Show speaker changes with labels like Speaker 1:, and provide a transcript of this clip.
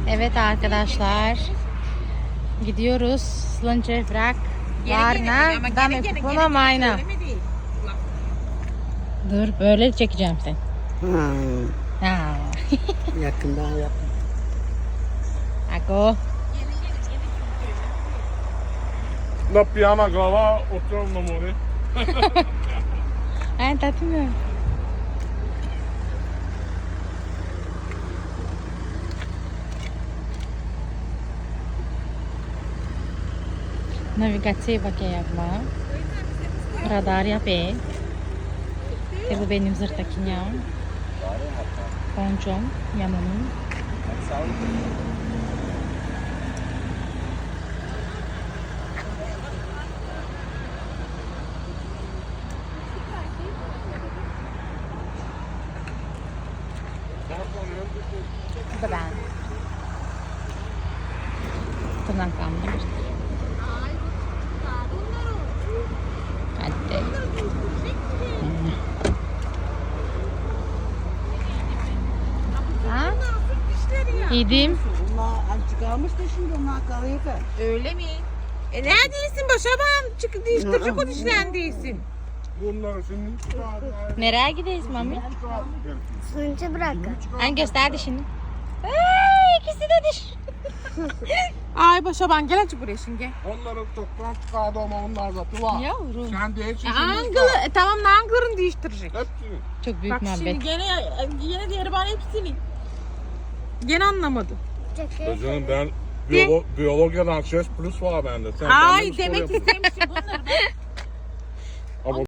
Speaker 1: Evet arkadaşlar. Gidiyoruz. Slunche Vrak. Varna. Dame kupona mayna. Dur böyle çekeceğim seni. Ha.
Speaker 2: Yakından yap.
Speaker 1: Ako.
Speaker 3: La piana glava oturum namori.
Speaker 1: Ay tatmıyor. Navigasyon bakıyor yapma. Radar yapıyor. Bu benim zırtakinya. Ponçom, yanımın. Bu da ben. Tırnaklandım. Hadi. Ha? Yedim.
Speaker 2: Bunlar azıcık kalmış da şimdi onlar kalıyor ki.
Speaker 4: Öyle mi? Neredeysin Başaban? Çık değiştirecek o dişlerini değilsin.
Speaker 3: Bunları şimdi
Speaker 1: Nereye gideyiz mami?
Speaker 5: Slunche bırakın.
Speaker 1: Hani göster dişini. Ay, ikisi de diş.
Speaker 4: Ay Başaban gel açık buraya şimdi.
Speaker 3: onları toptan çıkardı ama onlar da tuva.
Speaker 1: Yavrum.
Speaker 3: Sen değilsin.
Speaker 4: Anglı, tamam Anglı'rın değiştirecek.
Speaker 3: Hepsini.
Speaker 1: Çok büyük
Speaker 4: Bak şimdi
Speaker 1: muhabbet.
Speaker 4: gene diğeri bana hepsini. Gene anlamadı.
Speaker 3: Canım ben biyologyadan ses plus var bende. Sen
Speaker 4: Ay
Speaker 3: benden mi
Speaker 4: demek
Speaker 3: soruyorsun?
Speaker 4: istemişim bunları ben.